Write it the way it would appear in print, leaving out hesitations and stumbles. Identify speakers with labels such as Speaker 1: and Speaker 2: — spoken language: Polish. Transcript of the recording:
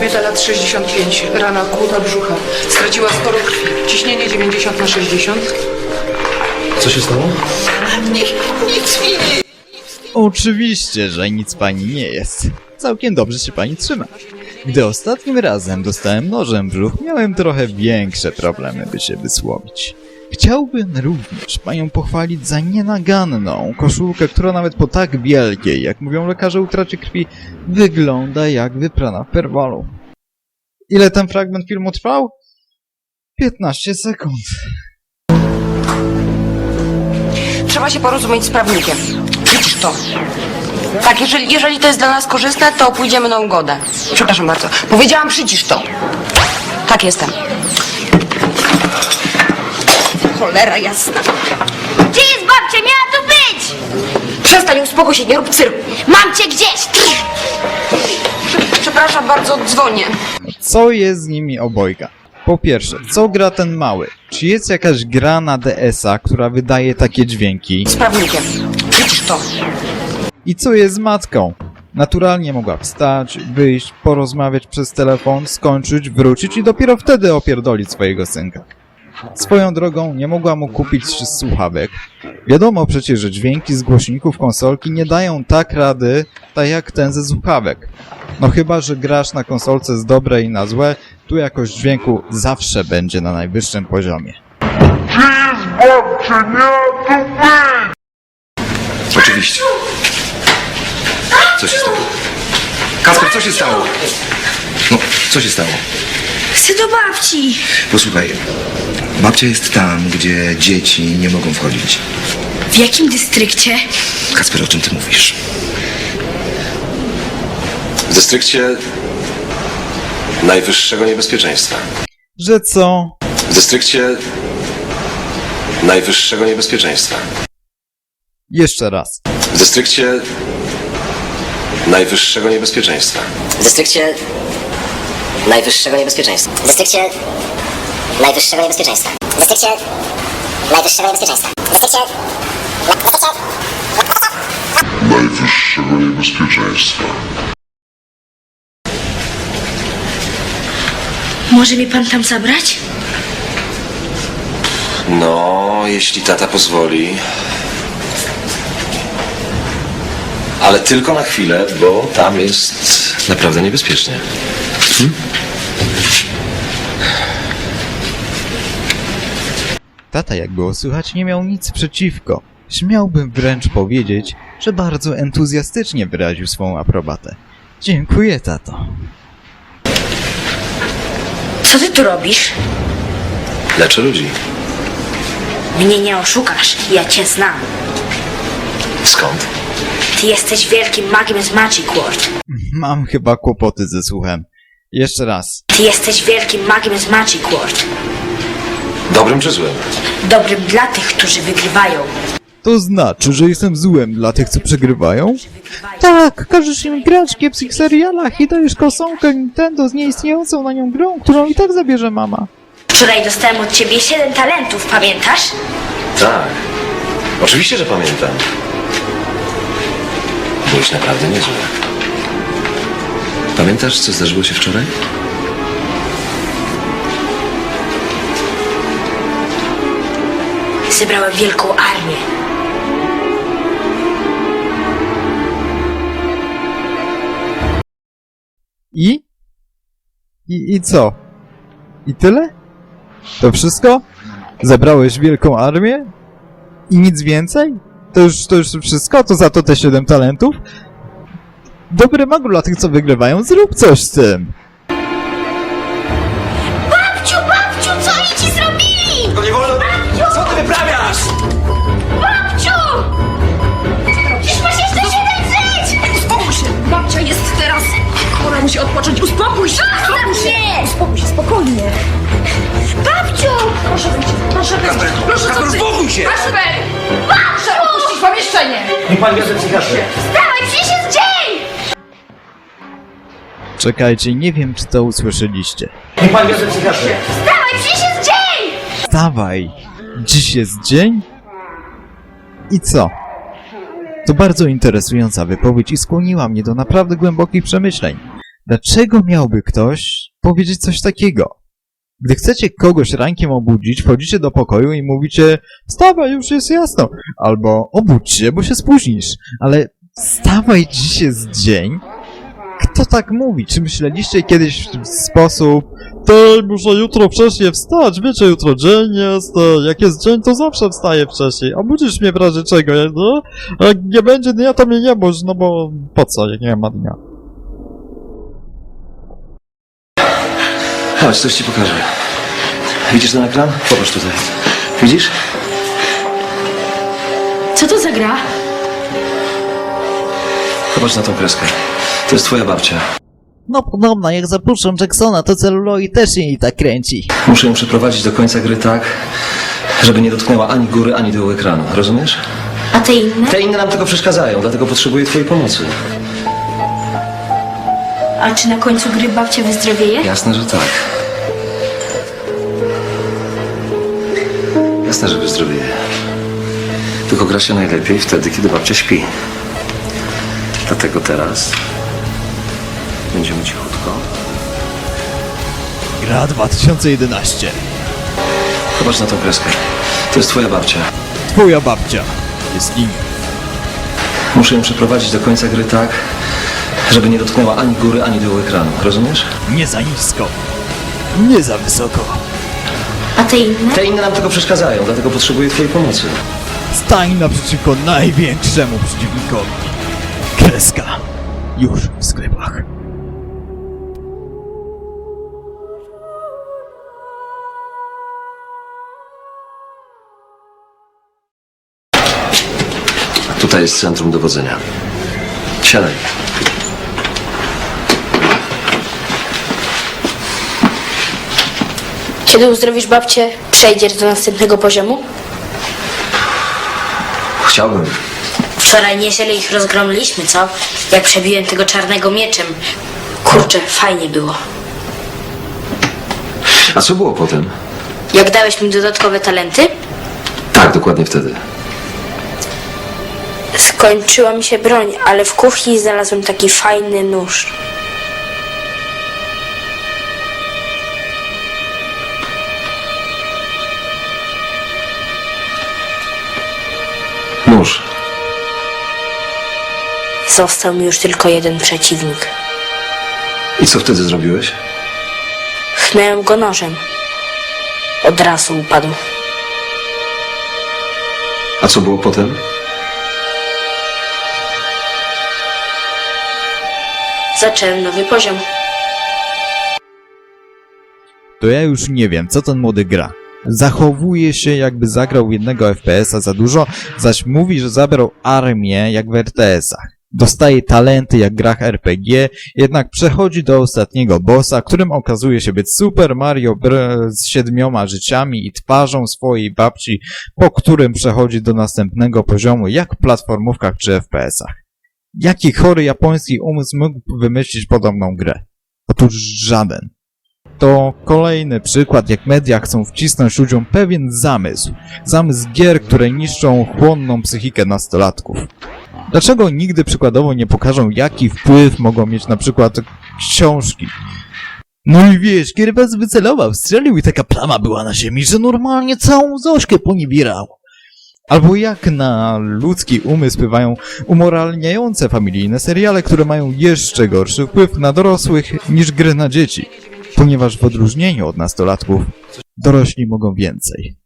Speaker 1: Kobieta lat 65, rana kłuta brzucha. Straciła sporo krwi. Ciśnienie 90/60.
Speaker 2: Co się stało?
Speaker 1: Nic mi nie...
Speaker 3: Oczywiście, że nic pani nie jest. Całkiem dobrze się pani trzyma. Gdy ostatnim razem dostałem nożem w brzuch, miałem trochę większe problemy, by się wysłowić. Chciałbym również panią pochwalić za nienaganną koszulkę, która nawet po tak wielkiej, jak mówią lekarze, utracie krwi, wygląda jak wyprana w perwalu. Ile ten fragment filmu trwał? 15 sekund.
Speaker 4: Trzeba się porozumieć z prawnikiem. Widzisz to? Tak, jeżeli to jest dla nas korzystne, to pójdziemy na ugodę. Przepraszam bardzo. Powiedziałam, przycisz to. Tak, jestem. Cholera jasna.
Speaker 5: Gdzie jest babcia? Miała tu być!
Speaker 4: Przestań, uspokój się, nie rób cyrku.
Speaker 5: Mam cię gdzieś!
Speaker 4: Przepraszam bardzo, dzwonię.
Speaker 3: Co jest z nimi obojga? Po pierwsze, co gra ten mały? Czy jest jakaś gra na DS-a, która wydaje takie dźwięki?
Speaker 4: Z prawnikiem. Widzisz to?
Speaker 3: I co jest z matką? Naturalnie mogła wstać, wyjść, porozmawiać przez telefon, skończyć, wrócić i dopiero wtedy opierdolić swojego synka. Swoją drogą nie mogła mu kupić słuchawek. Wiadomo przecież, że dźwięki z głośników konsolki nie dają tak rady, tak jak ten ze słuchawek. No chyba, że grasz na konsolce z dobre i na złe, tu jakość dźwięku zawsze będzie na najwyższym poziomie.
Speaker 2: Oczywiście. Co się stało? Kasper, co się stało? No, co się stało?
Speaker 5: Chcę do babci!
Speaker 2: Posłuchaj, babcia jest tam, gdzie dzieci nie mogą wchodzić.
Speaker 5: W jakim dystrykcie?
Speaker 2: Kasper, o czym ty mówisz? W dystrykcie najwyższego niebezpieczeństwa.
Speaker 3: Że co?
Speaker 2: W dystrykcie najwyższego niebezpieczeństwa.
Speaker 3: Jeszcze raz.
Speaker 2: W dystrykcie najwyższego niebezpieczeństwa.
Speaker 6: W dystrykcie najwyższego niebezpieczeństwa. W dystrykcie najwyższego niebezpieczeństwa. W dystrykcie najwyższego niebezpieczeństwa. W dystrykcie
Speaker 7: najwyższego niebezpieczeństwa.
Speaker 5: Może mnie pan tam zabrać?
Speaker 2: No, jeśli tata pozwoli. Ale tylko na chwilę, bo tam jest naprawdę niebezpiecznie.
Speaker 3: Tata, jak było słychać, nie miał nic przeciwko. Śmiałbym wręcz powiedzieć, że bardzo entuzjastycznie wyraził swą aprobatę. Dziękuję, tato.
Speaker 5: Co ty tu robisz?
Speaker 2: Leczę ludzi.
Speaker 5: Mnie nie oszukasz, ja cię znam.
Speaker 2: Skąd?
Speaker 5: Ty jesteś wielkim magiem z Magic World.
Speaker 3: Mam chyba kłopoty ze słuchem. Jeszcze raz.
Speaker 5: Ty jesteś wielkim magiem z Magic World.
Speaker 2: Dobrym czy złym?
Speaker 5: Dobrym dla tych, którzy wygrywają.
Speaker 3: To znaczy, że jestem złem dla tych, co przegrywają? Tak, każesz im grać w kiepskich serialach i dajesz kosonkę Nintendo z nieistniejącą na nią grą, którą i tak zabierze mama.
Speaker 5: Wczoraj dostałem od ciebie 7 talentów, pamiętasz?
Speaker 2: Tak. Oczywiście, że pamiętam. Byłeś naprawdę niezły. Pamiętasz, co zdarzyło się wczoraj?
Speaker 5: Zebrałem wielką armię.
Speaker 3: I co? I tyle? To wszystko? Zebrałeś wielką armię? I nic więcej? To już wszystko? To za to te 7 talentów? Dobry magu dla tych, co wygrywają, zrób coś z tym!
Speaker 5: Babciu, co oni ci zrobili?
Speaker 2: To nie wolno!
Speaker 5: Babciu!
Speaker 2: Co ty wyprawiasz?
Speaker 5: Babciu! Przecież masz jeszcze 7 żyć!
Speaker 4: Uspokój się! Babcia jest teraz... Ona musi odpocząć. Uspokój się! Uspokój się! Uspokój się, spokojnie.
Speaker 5: Babciu!
Speaker 4: Proszę wyjść. Proszę wyjść. Proszę
Speaker 2: Kasper, uspokój się!
Speaker 4: Kasper! Proszę opuścić pomieszczenie!
Speaker 2: Niech pan bierze psychiatrę.
Speaker 5: Wstawaj, przecież jest dzień!
Speaker 3: Czekajcie, nie wiem, czy to usłyszeliście.
Speaker 2: Niech pan bierze psychiatrę.
Speaker 5: Wstawaj, przecież jest dzień!
Speaker 3: Wstawaj! Dziś jest dzień? I co? To bardzo interesująca wypowiedź i skłoniła mnie do naprawdę głębokich przemyśleń. Dlaczego miałby ktoś powiedzieć coś takiego? Gdy chcecie kogoś rankiem obudzić, wchodzicie do pokoju i mówicie wstawaj, już jest jasno, albo obudź się, bo się spóźnisz, ale wstawaj, dziś jest dzień? Kto tak mówi? Czy myśleliście kiedyś w sposób muszę jutro wcześniej wstać, wiecie, jutro dzień jest, jak jest dzień, to zawsze wstaję wcześniej, a budzisz mnie w razie czego, no? A jak nie będzie dnia, to mnie nie budź, no bo po co, jak nie ma dnia?
Speaker 2: Chodź, coś ci pokażę. Widzisz ten ekran? Popatrz tutaj. Widzisz?
Speaker 5: Co to za gra?
Speaker 2: Popatrz na tą kreskę. To jest twoja babcia.
Speaker 3: No podobno, jak zapuszczą Jacksona, to celuloid też jej tak kręci.
Speaker 2: Muszę ją przeprowadzić do końca gry tak, żeby nie dotknęła ani góry, ani dołu ekranu. Rozumiesz?
Speaker 5: A te inne?
Speaker 2: Te inne nam tylko przeszkadzają, dlatego potrzebuję twojej pomocy.
Speaker 5: A czy na końcu gry babcia wyzdrowieje?
Speaker 2: Jasne, że tak. Jasne, że wyzdrowieje. Tylko gra się najlepiej wtedy, kiedy babcia śpi. Dlatego teraz będziemy cichutko.
Speaker 3: Gra 2011.
Speaker 2: Popatrz na tą kreskę. To jest twoja babcia.
Speaker 3: Twoja babcia jest nim.
Speaker 2: Muszę ją przeprowadzić do końca gry tak, żeby nie dotknęła ani góry, ani dołu ekranu. Rozumiesz?
Speaker 3: Nie za nisko. Nie za wysoko.
Speaker 5: A te inne?
Speaker 2: Te inne nam tylko przeszkadzają, dlatego potrzebuję twojej pomocy.
Speaker 3: Stań naprzeciwko największemu przeciwnikowi. Kreska. Już w sklepach.
Speaker 2: Tutaj jest centrum dowodzenia. Siadaj.
Speaker 5: Kiedy uzdrowisz babcię, przejdziesz do następnego poziomu?
Speaker 2: Chciałbym.
Speaker 5: Wczoraj nieźle ich rozgromiliśmy, co? Jak przebiłem tego czarnego mieczem. Kurczę, fajnie było.
Speaker 2: A co było potem?
Speaker 5: Jak dałeś mi dodatkowe talenty,
Speaker 2: Tak, dokładnie wtedy.
Speaker 5: skończyła mi się broń, ale w kuchni znalazłem taki fajny nóż.
Speaker 2: Nóż.
Speaker 5: Został mi już tylko jeden przeciwnik.
Speaker 2: I co wtedy zrobiłeś?
Speaker 5: Chnęłem go nożem. Od razu upadł.
Speaker 2: A co było potem?
Speaker 5: Zacząłem nowy poziom.
Speaker 3: To ja już nie wiem, co ten młody gra. Zachowuje się, jakby zagrał jednego FPS-a za dużo, zaś mówi, że zabrał armię jak w RTS-ach. Dostaje talenty jak w grach RPG, jednak przechodzi do ostatniego bossa, którym okazuje się być Super Mario z 7 życiami i twarzą swojej babci, po którym przechodzi do następnego poziomu jak w platformówkach czy FPS-ach. Jaki chory japoński umysł mógł wymyślić podobną grę? Otóż żaden. To kolejny przykład, jak media chcą wcisnąć ludziom pewien zamysł. Zamysł gier, które niszczą chłonną psychikę nastolatków. Dlaczego nigdy przykładowo nie pokażą, jaki wpływ mogą mieć na przykład książki? No i wiesz, kiedy was wycelował, strzelił i taka plama była na ziemi, że normalnie całą Zośkę poniebierał. Albo jak na ludzki umysł wpływają umoralniające familijne seriale, które mają jeszcze gorszy wpływ na dorosłych niż gry na dzieci. Ponieważ w odróżnieniu od nastolatków, dorośli mogą więcej.